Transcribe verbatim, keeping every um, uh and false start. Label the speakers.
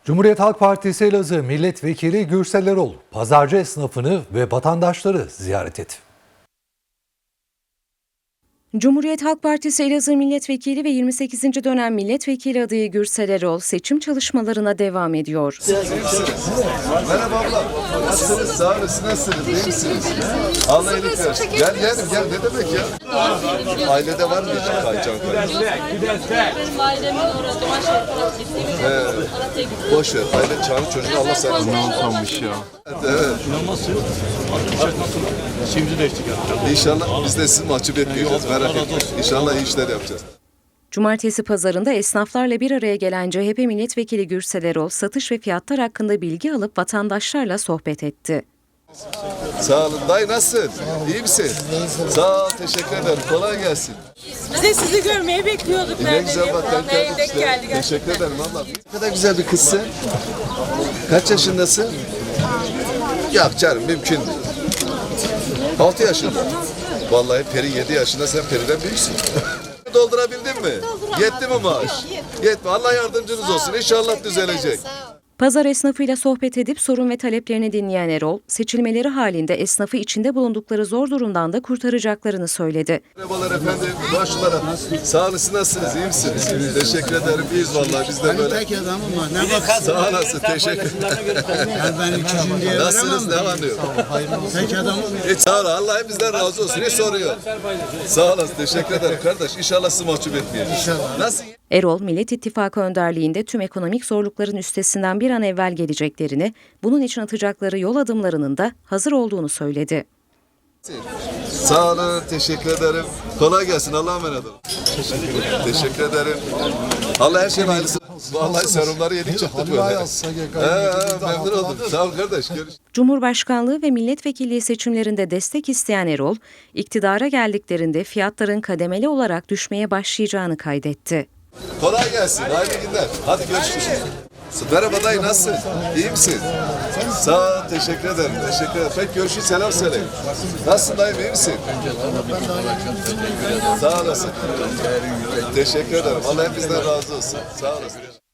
Speaker 1: Cumhuriyet Halk Partisi Elazığ Milletvekili Gürsel Erol, pazarcı esnafını ve vatandaşları ziyaret etti.
Speaker 2: Cumhuriyet Halk Partisi Elazığ Milletvekili ve yirmi sekizinci dönem Milletvekili adayı Gürsel Erol seçim çalışmalarına devam ediyor.
Speaker 3: Merhaba abla. Nasılsınız? Sağ olasın. Nasılsınız? İyi misiniz? Allah iyilik versin. Gel gel gel. Ne demek ya? Ailede var mı hiç kaycan kaycan?
Speaker 4: Benim ailemin orada Maşallah gittiğimiz
Speaker 3: Boş ver. Aile çağırın çocuğu Allah sana.
Speaker 5: Ne olmamış ya.
Speaker 3: Evet.
Speaker 5: İnanmazsın. Arkadaşlar nasıl? Şimdi değiştik ya.
Speaker 3: İnşallah biz de sizi mahcup etmeyeceğiz. Merak etmeyin. İnşallah iyi işler yapacağız.
Speaker 2: Cumartesi pazarında esnaflarla bir araya gelen C H P Milletvekili Gürsel Erol, satış ve fiyatlar hakkında bilgi alıp vatandaşlarla sohbet etti.
Speaker 3: Sağ olun. Dayı nasılsın? İyi misin? Sağ ol. Teşekkür ederim. Kolay gelsin.
Speaker 4: Biz de sizi görmeyi bekliyorduk.
Speaker 3: Ne güzel bak. Denk geldik
Speaker 4: denk
Speaker 3: işte.
Speaker 4: geldik.
Speaker 3: Teşekkür ederim abla. Ne kadar güzel bir kızsın. Kaç yaşındasın? Yok canım mümkün değil. Altı yaşında. Vallahi Peri yedi yaşında, sen Peri'den büyüksün. Doldurabildin mi? Yetti mi maaş? Yetti. Allah yardımcınız olsun. İnşallah düzelecek.
Speaker 2: Pazar esnafıyla sohbet edip sorun ve taleplerini dinleyen Erol, seçilmeleri halinde esnafı içinde bulundukları zor durumdan da kurtaracaklarını söyledi.
Speaker 3: Merhabalar efendim. Başlara. Sağ olun. Siz nasılsınız? İyi misiniz? Teşekkür ederim. İyiyiz vallahi. Biz de böyle.
Speaker 6: Tek adamım var. Ne bak?
Speaker 3: Sağ olasın. Teşekkür ederim.
Speaker 6: Yani ben üçüncü diye
Speaker 3: Nasılsınız? Ne var ne yok?
Speaker 6: Tek adamım.
Speaker 3: Hiç sağ olun. Allah hepimizden razı olsun. Hiç soruyor. Sağ olasın. Teşekkür ederim kardeş. İnşallah sizi mahcup etmeyelim. İnşallah. Nasıl?
Speaker 2: Erol, Millet İttifakı önderliğinde tüm ekonomik zorlukların üstesinden bir an evvel geleceklerini, bunun için atacakları yol adımlarının da hazır olduğunu söyledi.
Speaker 3: Sağ olun, teşekkür ederim. Kolay gelsin, Allah'a emanet olun. Teşekkür ederim. Allah her şeyin hayırlısı. Vallahi serumları yeni çıktı böyle. He, memnun oldum. Sağ ol kardeş. Görüşürüz.
Speaker 2: Cumhurbaşkanlığı ve milletvekilliği seçimlerinde destek isteyen Erol, iktidara geldiklerinde fiyatların kademeli olarak düşmeye başlayacağını kaydetti.
Speaker 3: Kolay gelsin, hayırlı günler. Hadi görüşürüz. Merhaba dayı, nasılsın? İyi misin? Sağ ol, teşekkür ederim. Teşekkür ederim. Peki görüşürüz, selam söyle. Nasılsın dayım, iyi misin? Sağ olasın. Teşekkür ederim. Allah hepinizden razı olsun. Sağ olasın.